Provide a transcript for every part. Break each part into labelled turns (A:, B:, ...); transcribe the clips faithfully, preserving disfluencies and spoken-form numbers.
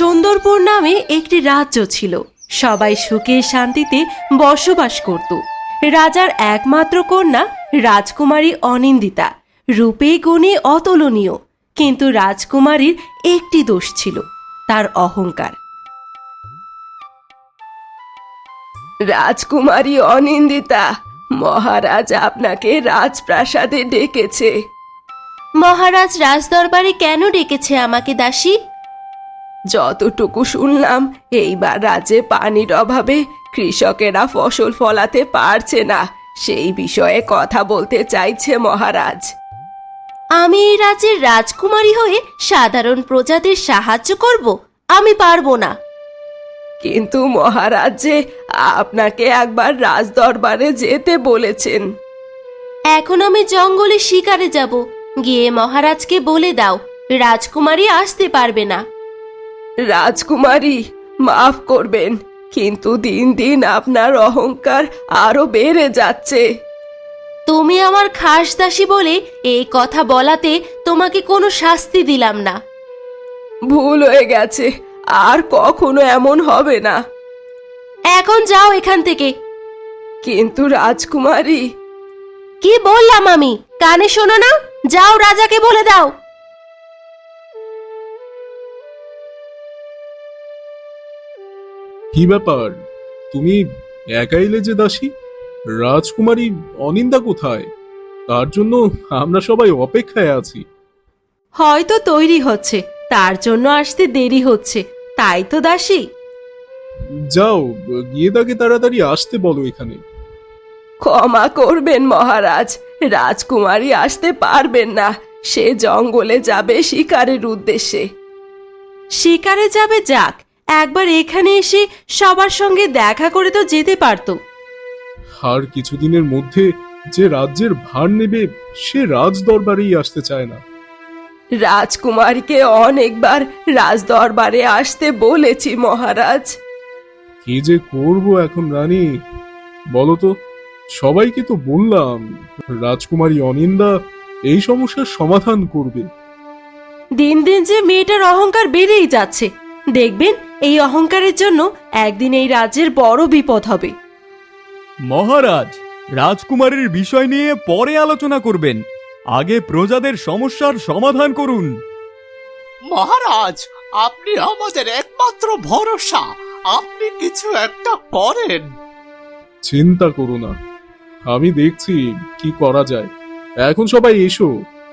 A: সুন্দরপুর নামে একটি রাজ্য ছিল। সবাই সুখে শান্তিতে বসবাস করত। রাজার একমাত্র কন্যা রাজকুমারী অনিন্দিতা, রূপে গুণে অতুলনীয়। কিন্তু রাজকুমারীর একটি দোষ ছিল, তার অহংকার। রাজকুমারী অনিন্দিতা, মহারাজ আপনাকে রাজপ্রাসাদে ডেকেছে। মহারাজ রাজদরবারে কেন ডেকেছে আমাকে দাসী? যতটুকু শুনলাম, এইবার রাজ্যে পানির অভাবে কৃষকেরা ফসল ফলাতে পারছে না, সেই বিষয়ে কথা বলতে চাইছে মহারাজ। আমি এই রাজ্যের রাজকুমারী হয়ে সাধারণ প্রজাদের সাহায্য করব? আমি পারবো না। কিন্তু মহারাজ যে আপনাকে একবার রাজদরবারে যেতে বলেছেন। এখন আমি জঙ্গলে শিকারে যাব, গিয়ে মহারাজকে বলে দাও রাজকুমারী আসতে পারবে না। রাজকুমারী, মাফ করবেন, কিন্তু দিন দিন আপনার অহংকার আরো বেড়ে যাচ্ছে। তুমি আমার খাস দাসী বলে এই কথা বলাতে তোমাকে কোনো শাস্তি দিলাম না। ভুল হয়ে গেছে, আর কখনো এমন হবে না। এখন যাও এখান থেকে। কিন্তু রাজকুমারী। কি বললাম আমি, কানে শোনো না? যাও, রাজাকে বলে দাও।
B: কি ব্যাপার, তুমি একা এলে যে দাসী? রাজকুমারী অনিন্দা কোথায়? তার জন্য আমরা সবাই অপেক্ষায় আছি।
A: হয়তো তৈরি হচ্ছে, তার জন্য আসতে দেরি হচ্ছে, তাই তো দাসী।
B: যাও, গিয়ে তাকে তাড়াতাড়ি আসতে বলো এখানে।
A: ক্ষমা করবেন মহারাজ, রাজকুমারী আসতে পারবেন না, সে জঙ্গলে যাবে শিকারের উদ্দেশ্যে। শিকারে যাবে, যাক, একবার এখানে এসে সবার সঙ্গে দেখা করে তো যেতে পারতো।
B: আর কিছুদিনের মধ্যে যে রাজ্যের ভার নেবে সে রাজ দরবারেই আসতে চায় না।
A: রাজকুমারীকে অনেকবার রাজদরবারে আসতে বলেছি মহারাজ।
B: কি যে করব এখন রানী, বলো তো? সবাইকে তো বললাম রাজকুমারী অনিন্দা এই সমস্যার সমাধান করবে।
A: দিন দিন যে মেয়েটার অহংকার বেড়েই যাচ্ছে, দেখবেন এই অহংকারের জন্য একদিন এই রাজ্যের বড় বিপদ হবে।
C: মহারাজ, রাজকুমারীর বিষয় নিয়ে পরে আলোচনা করবেন, আগে প্রজাদের সমস্যার সমাধান করুন।
D: মহারাজ, আপনি আমাদের একমাত্র ভরসা, আপনি কিছু একটা করেন।
B: চিন্তা করো না, আমি দেখছি কি করা যায়। এখন সবাই এসো।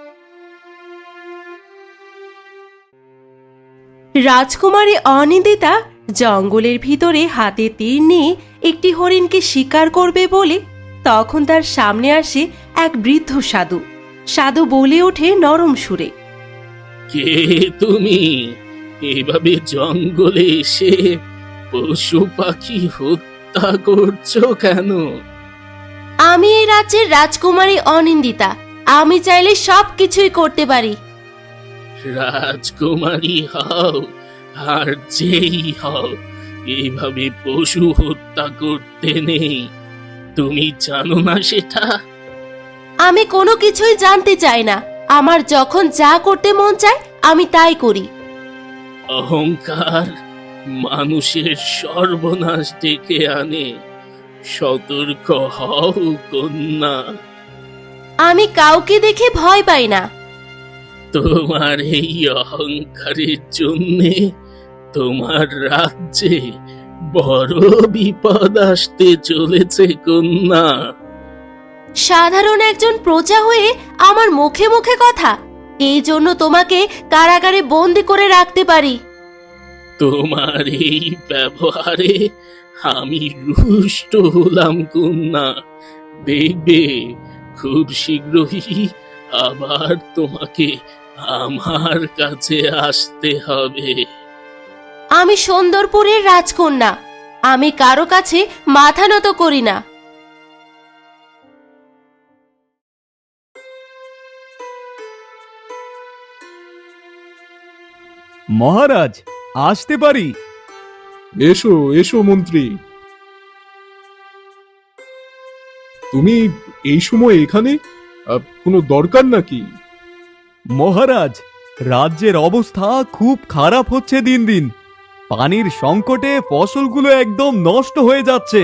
A: রাজকুমারী অনিন্দিতা জঙ্গলের ভিতরে হাতে তীর নিয়ে একটি হরিণকে শিকার করবে বলে তখন তার সামনে আসে এক বৃদ্ধ সাধু। সাধু বলে ওঠে নরম সুরে,
E: কে তুমি? এভাবে জঙ্গলে এসে পশু পাখি হত্যা করছো কেন?
A: আমি এই রাজ্যের রাজকুমারী অনিন্দিতা, আমি চাইলে সব কিছুই করতে পারি।
E: রাজকুমারী হও আর যেই হও, এইভাবে পশু হত্যা করতে নেই। তুমি জানো না সেটা?
A: আমি কোনো কিছুই জানতে চাই না, আমার যখন যা করতে মন চায় আমি তাই করি।
E: অহংকার মানুষের সর্বনাশ ডেকে আনে। সতর্ক হও কন্যা।
A: আমি কাউকে দেখে ভয় পাই না।
E: তোমার এই অহংকারের জন্যে তোমার রাজ্যে বড় বিপদ আসতে চলেছে কন্যা।
A: সাধারণ একজন প্রজা হয়ে আমার মুখে মুখে কথা, এই জন্য তোমাকে কারাগারে বন্দি করে রাখতে পারি।
E: তোমার এই ব্যবহারে আমি রুষ্ট হলাম কন্যা। দেখবে খুব শীঘ্রই আবার তোমাকে আমার কাছে আসতে হবে।
A: আমি সুন্দরপুরের রাজকন্যা, আমি কারো কাছে মাথা নত করি না।
C: মহারাজ, আসতে পারি?
B: এসো এসো মন্ত্রী। তুমি এই সময় এখানে? আহ, কোনো দরকার নাকি?
C: মহারাজ, রাজ্যের অবস্থা খুব খারাপ হচ্ছে দিন দিন। পানির সংকটে ফসলগুলো একদম নষ্ট হয়ে যাচ্ছে।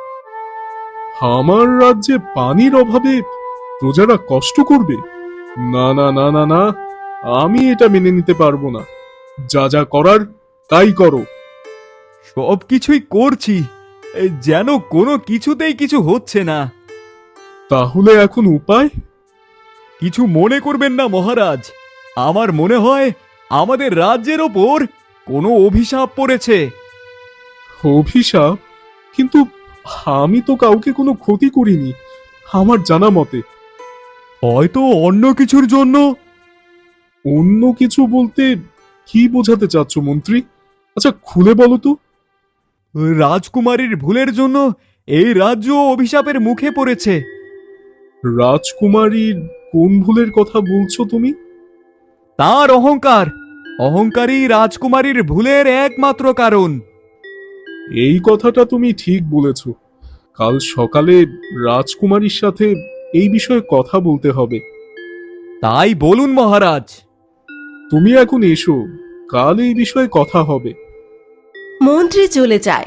B: আমার রাজ্যে পানির অভাবে প্রজারা কষ্ট করবে? না না না না না, আমি এটা মেনে নিতে পারবো না। যা যা করার তাই করো।
C: সব কিছুই করছি, এই যেন কোনো কিছুতেই কিছু হচ্ছে না।
B: তাহলে এখন উপায়?
C: কিছু মনে করবেন না মহারাজ, আমার মনে হয় আমাদের রাজ্যের ওপর কোনো অভিশাপ পড়েছে।
B: অভিশাপ? কিন্তু আমি তো কাউকে কোনো ক্ষতি করিনি আমার জানা মতে।
C: হয়তো অন্য কিছুর জন্য।
B: অন্য কিছু বলতে কি বোঝাতে চাচ্ছ মন্ত্রী? আচ্ছা খুলে বলো তো।
C: রাজকুমারীর ভুলের জন্য এই রাজ্য অভিশাপের মুখে পড়েছে।
B: রাজকুমারীর কোন ভুলের কথা বলছো তুমি?
C: তার অহংকার, অহংকারী রাজকুমারীর ভুলের একমাত্র কারণ।
B: এই কথাটা তুমি ঠিক বলেছ। কাল সকালে রাজকুমারীর সাথে এই বিষয়ে কথা বলতে হবে।
C: তাই বলুন মহারাজ।
B: তুমি এখন এসো, কাল এই বিষয়ে কথা হবে।
A: মন্ত্রী চলে যায়।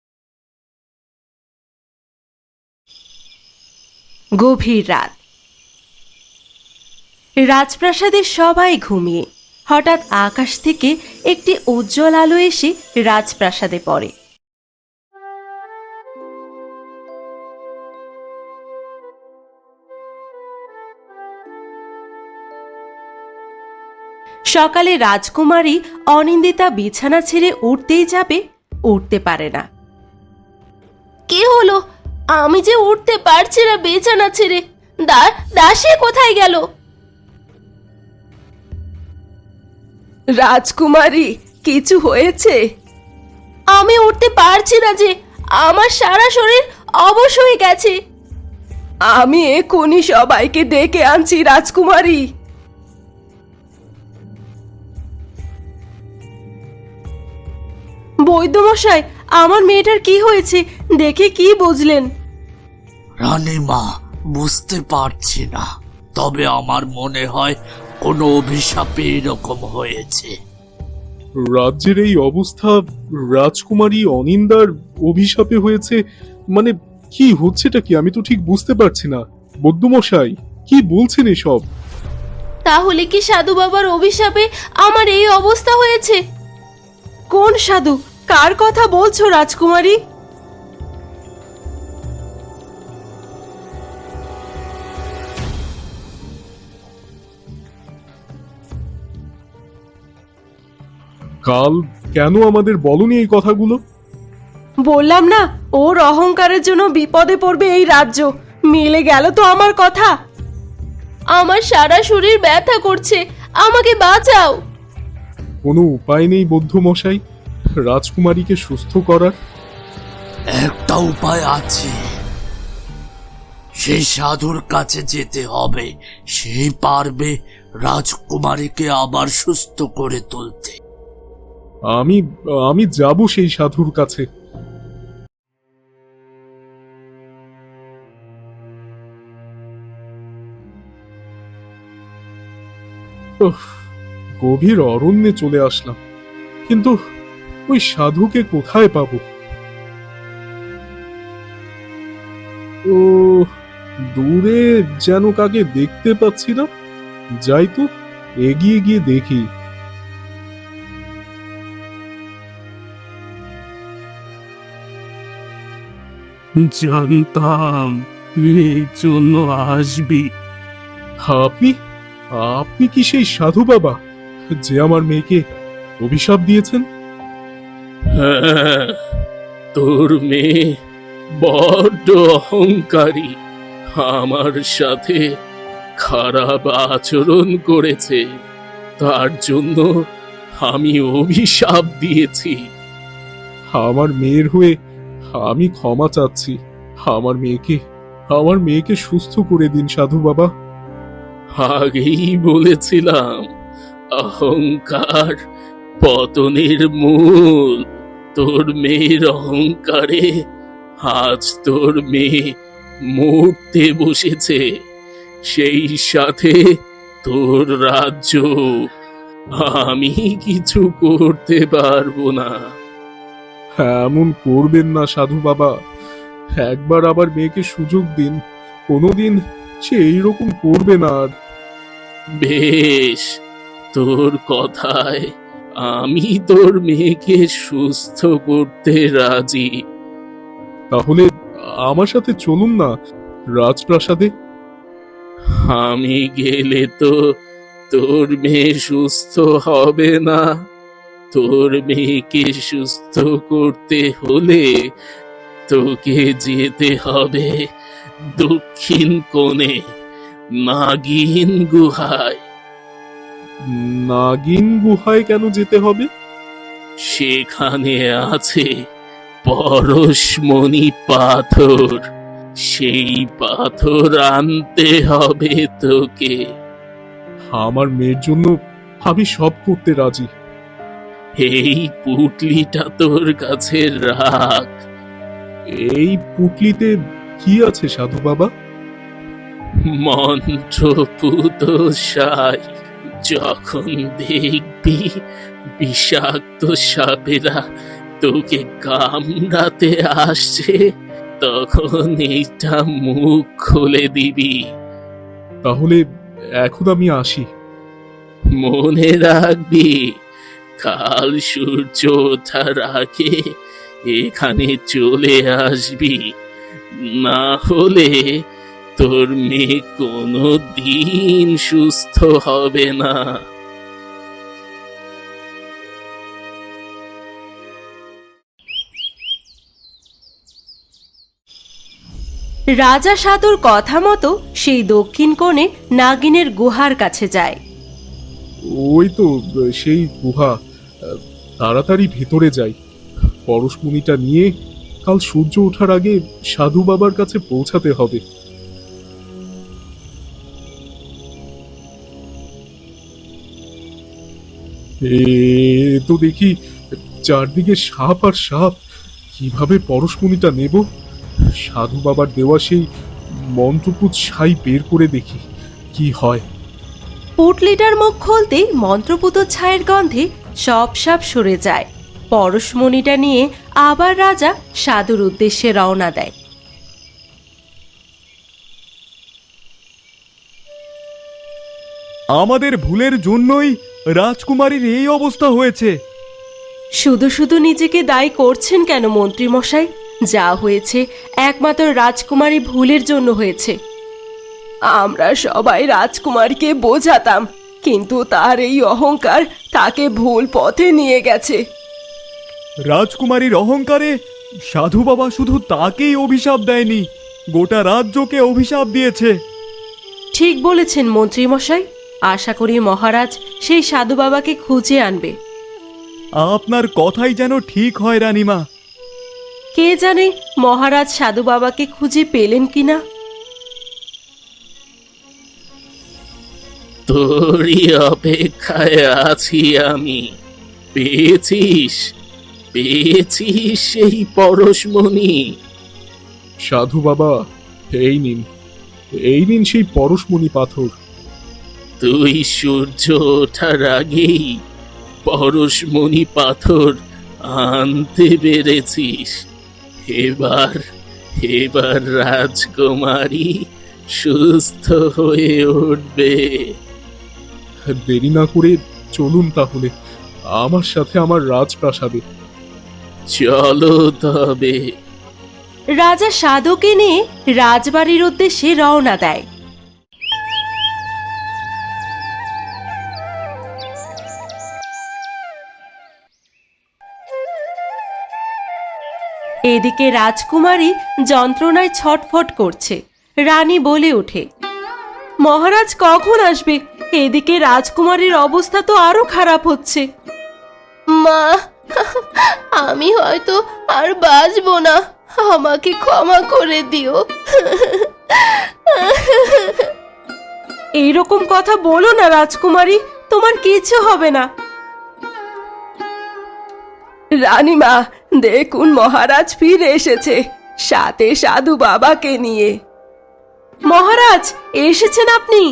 A: গভীর রাত। রাজপ্রাসাদের সবাই ঘুমিয়ে। হঠাৎ আকাশ থেকে একটি উজ্জ্বল আলো এসে রাজপ্রাসাদে পড়ে। সকালে রাজকুমারী অনিন্দিতা বিছানা ছেড়ে উঠতেই যাবে, উঠতে পারে না। কি হলো? আমি যে উঠতে পারছি না বিছানা ছেড়ে। দা দাসী কোথায় গেল? রাজকুমারী, কিছু হয়েছে? আমি উঠতে পারছি না যে, আমার সারা শরীর অবশ হয়ে গেছে। আমি এক্ষুনি সবাইকে ডেকে আনছি রাজকুমারী। বৈদ্যমশাই, আমার মেয়েটার কি হয়েছে দেখে কি বুঝলেন?
D: রানীমা, বুঝতে পারছি না, তবে আমার মনে হয় কোনো অভিশাপে এরকম হয়েছে।
B: রাজ্যের এই অবস্থা রাজকুমারী অনিন্দার অভিশাপে হয়েছে? মানে কি হচ্ছেটা কি? আমি তো ঠিক বুঝতে পারছি না। বৈদ্যমশাই, কি বলছেন এসব?
A: তাহলে কি সাধু বাবার অভিশাপে আমার এই অবস্থা হয়েছে? কোন সাধু? কার কথা বলছো রাজকুমারী?
B: কাল কেন আমাদের বলনি এই কথাগুলো?
A: বললাম না, ওর অহংকারের জন্য বিপদে পড়বে এই রাজ্য। মিলে গেল তো আমার কথা। আমার সারা শরীর ব্যথা করছে, আমাকে বাঁচাও।
B: কোনো উপায় নেই বৈদ্যমশাই রাজকুমারীকে সুস্থ করার?
D: একটা উপায় আছে, সেই সাধুর কাছে যেতে হবে। সেই পারবে রাজকুমারীকে আবার সুস্থ করে তুলতে।
B: আমি আমি যাব সেই সাধুর কাছে। উফ, গভীর অরণ্যে চলে আসলাম, কিন্তু ওই সাধুকে কোথায় পাবো? ও, দূরে যেন কাকে দেখতে পাচ্ছি না। যাই তো, এগিয়ে গিয়ে দেখি।
F: জানতাম এই জন্য আসবি।
B: আপনি আপনি কি সেই সাধু বাবা যে আমার মেয়েকে অভিশাপ দিয়েছেন?
E: হ্যাঁ, তোর মেয়ে বড্ড অহংকারী, আমার সাথে খারাপ আচরণ করেছে, তার জন্য আমি অভিশাপ দিয়েছি।
B: আমার মেয়ের হয়ে আমি ক্ষমা চাচ্ছি। আমার মেয়েকে আমার মেয়েকে সুস্থ করে দিন সাধু বাবা।
E: আগেই বলেছিলাম, অহংকার পতনের মূল। তোর মেয়ের অহংকারে আজ তোর মেয়ে মরতে বসেছে, সেই সাথে তোর রাজ্য। আমি কিছু করতে পারবো না।
B: এমন করবেন না সাধু বাবা, একবার আবার মেয়েকে সুযোগ দিন, কোনোদিন সে এইরকম করবে না আর।
E: বেশ, তোর কথায় আমি তোর মেয়েকে সুস্থ করতে রাজি।
B: তাহলে আমার সাথে চলুন না রাজপ্রাসাদে।
E: আমি গেলে তো তোর মেয়ে সুস্থ হবে না। তোর মেয়েকে সুস্থ করতে হলে তোকে যেতে হবে দক্ষিণ কোণে নাগিন গুহায়।
B: নাগিন গুহায় কেন যেতে হবে?
E: সেখানে আছে পরশমণি পাথর, সেই পাথর আনতে হবে তোকে।
B: আমার মেয়ের জন্য আমি সব করতে রাজি।
E: এই পুটলিটা তোর কাছে রাখ।
B: এই পুটলিতে কি আছে সাধু বাবা?
E: মন্ত্রপুত সাই, যখন দেখবি বিষাক্ত সাপেরা তোকে কামড়াতে আসছে, তখন এইটা মুখ খুলে দিবি।
B: তাহলে এখন আমি আসি।
E: মনে রাখবি, কাল সূর্য ওঠার আগে এখানে চলে আসবি, না হলে তোর মেয়ে কোনো দিন সুস্থ হবে না।
A: রাজা সাধুর কথা মতো সেই দক্ষিণ কোণে নাগিনের গুহার কাছে যায়।
B: ওই তো সেই গুহা, তাড়াতাড়ি ভেতরে যাই। পরশমণিটা নিয়ে কাল সূর্য ওঠার আগে সাধু বাবার কাছে পৌঁছাতে হবে। এ তো দেখি চারদিকে সাপ আর সাপ, কিভাবে পরশমণিটা নেব? সাধু বাবার দেওয়া সেই মন্ত্রপুত ছাই বের করে দেখি কি হয়।
A: পুটলিটার মুখ খুলতেই মন্ত্রপুত ছায়ের গন্ধে সব সাপ সরে যায়। পরশমণিটা নিয়ে আবার রাজা সাধুর উদ্দেশ্যে রওনা দেয়।
C: আমাদের ভুলের জন্যই রাজকুমারীর এই অবস্থা হয়েছে।
A: শুধু শুধু নিজেকে দায়ী করছেন কেন মন্ত্রী মশাই? যা হয়েছে একমাত্র রাজকুমারী ভুলের জন্য হয়েছে। আমরা সবাই রাজকুমারীকে বোঝাতাম, কিন্তু তার এই অহংকার তাকে ভুল পথে নিয়ে গেছে।
C: রাজকুমারীর অহংকারে সাধু বাবা শুধু তাকেই অভিশাপ দেয়নি, গোটা রাজ্যকে অভিশাপ দিয়েছে।
A: ঠিক বলেছেন মন্ত্রী মশাই। আশা করি মহারাজ সেই সাধু বাবাকে খুঁজে আনবে।
C: আপনার কথাই যেন ঠিক হয় রানীমা।
A: কে জানে মহারাজ সাধু বাবাকে খুঁজে পেলেন কিনা।
E: তোরই অপেক্ষায় আছি আমি। পেয়েছিস, পেয়েছিস সেই পরশমণি?
B: সাধু বাবা, এই নিন, এই নিন সেই পরশমণি পাথর।
E: তুই সূর্য ওঠার আগেই পরশমণি পাথর আনতে পেরেছিস। এবার এবার রাজকুমারী সুস্থ হয়ে উঠবে।
B: দেরি না করে চলুন তাহলে আমার সাথে আমার রাজপ্রাসাদে।
E: চলো তবে।
A: রাজা সাধুকে নিয়ে রাজবাড়ির উদ্দেশ্যে রওনা দেয়। এদিকে রাজকুমারী যন্ত্রণায় ছটফট করছে। রানী বলে ওঠে, মহারাজ কখন আসবে? এদিকে রাজকুমারীর অবস্থা তো আরো খারাপ হচ্ছে। মা, আমি হয়তো আর বাঁচবো না, আমাকে ক্ষমা করে দিও। এইরকম কথা বলো না রাজকুমারী, তোমার কিছু হবে না। রানীমা, দেখুন মহারাজ ফিরে এসেছে, সাথে সাধু বাবাকে নিয়ে। মহারাজ এসেছেন আপনি?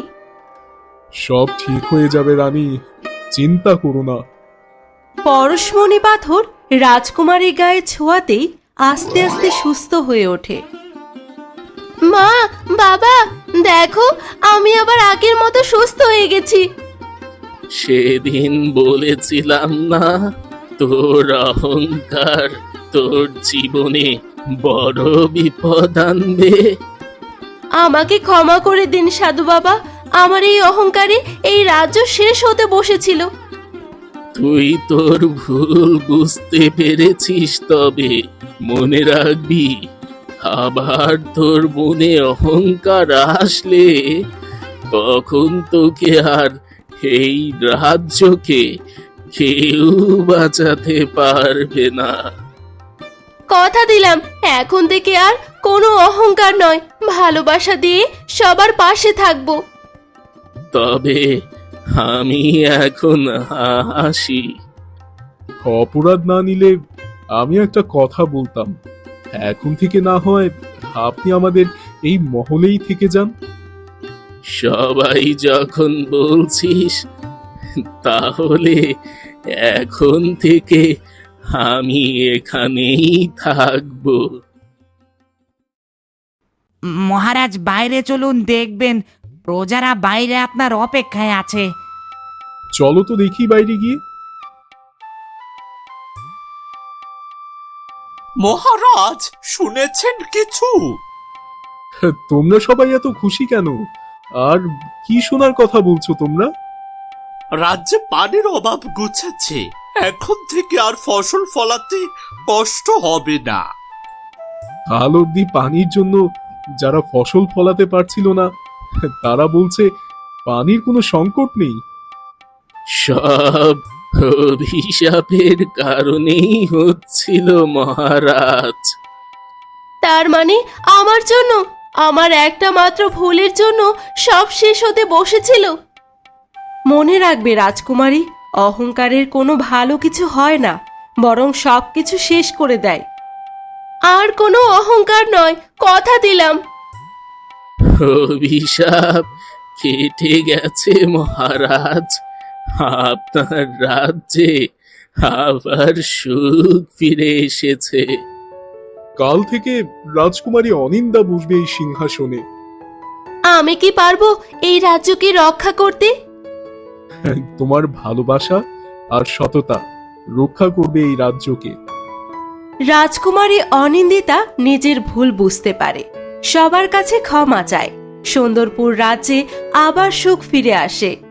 B: সব ঠিক হয়ে যাবে রানী, চিন্তা করো না।
A: পরশমণি পাথর রাজকুমারী গায়ে ছোঁয়াতেই আস্তে আস্তে সুস্থ হয়ে ওঠে। মা, বাবা, দেখো আমি আবার আগের মতো সুস্থ হয়ে গেছি।
E: সেদিন বলেছিলাম না, তোর অহংকার তোর জীবনে বড় বিপদ আনবে।
A: আমাকে ক্ষমা করে দিন সাধু বাবা, আমার এই অহংকারে এই রাজ্য শেষ হতে বসেছিল।
E: তুই তোর ভুল বুঝতে পেরেছিস, তবে মনে রাখবি আবার তোর মনে অহংকার আসলে তখন তোকে আর এই রাজ্যকে কেউ বাঁচাতে পারবে না।
A: কথা দিলাম এখন থেকে আর কোনো অহংকার নয়, ভালোবাসা দিয়ে সবার পাশে থাকবো।
E: তবে আমি এখন আসি।
B: অপরাধ না নিলে আমি একটা কথা বলতাম, এখন থেকে না হয় আপনি আমাদের এই মহলেই থেকে যান।
E: সবাই যখন বলছিস, তাহলে এখন থেকে আমি এখানেই থাকবো।
G: মহারাজ বাইরে চলুন, দেখবেন প্রজারা বাইরে আপনার অপেক্ষায় আছে।
B: চলো তো দেখি বাইরে গিয়ে।
H: মহারাজ, শুনেছেন কিছু?
B: তোমরা সবাই এত খুশি কেন? আর কি শোনার কথা বলছো তোমরা?
H: রাজ্যে পানির অভাব ঘুচেছে, এখন থেকে আর ফসল ফলাতে কষ্ট হবে না।
B: কাল অব্দি পানির জন্য যারা ফসল ফলাতে পারছিল না, তারা বলছে পানির কোনো সংকট নেই।
E: সব অভিশাপের কারণেই হচ্ছিল মহারাজ।
A: তার মানে আমার জন্য, আমার একটা মাত্র ভুলের জন্য সব শেষ হতে বসেছিল। মনে রাখবে রাজকুমারী, অহংকারের কোনো ভালো কিছু হয় না, বরং সব কিছু শেষ করে দেয়। আর কোনো অহংকার নয়, কথা দিলাম।
E: অভিশাপ কেটে গেছে মহারাজ, আপনার রাজ্যে আবার সুখ ফিরে এসেছে।
B: কাল থেকে রাজকুমারী অনিন্দা বসবে এই সিংহাসনে।
A: আমি কি পারবো এই রাজ্যকে রক্ষা করতে?
B: তোমার ভালোবাসা আর সততা রক্ষা করবে এই রাজ্যকে।
A: রাজকুমারী অনিন্দিতা নিজের ভুল বুঝতে পারে, সবার কাছে ক্ষমা চায়। সুন্দরপুর রাজ্যে আবার সুখ ফিরে আসে।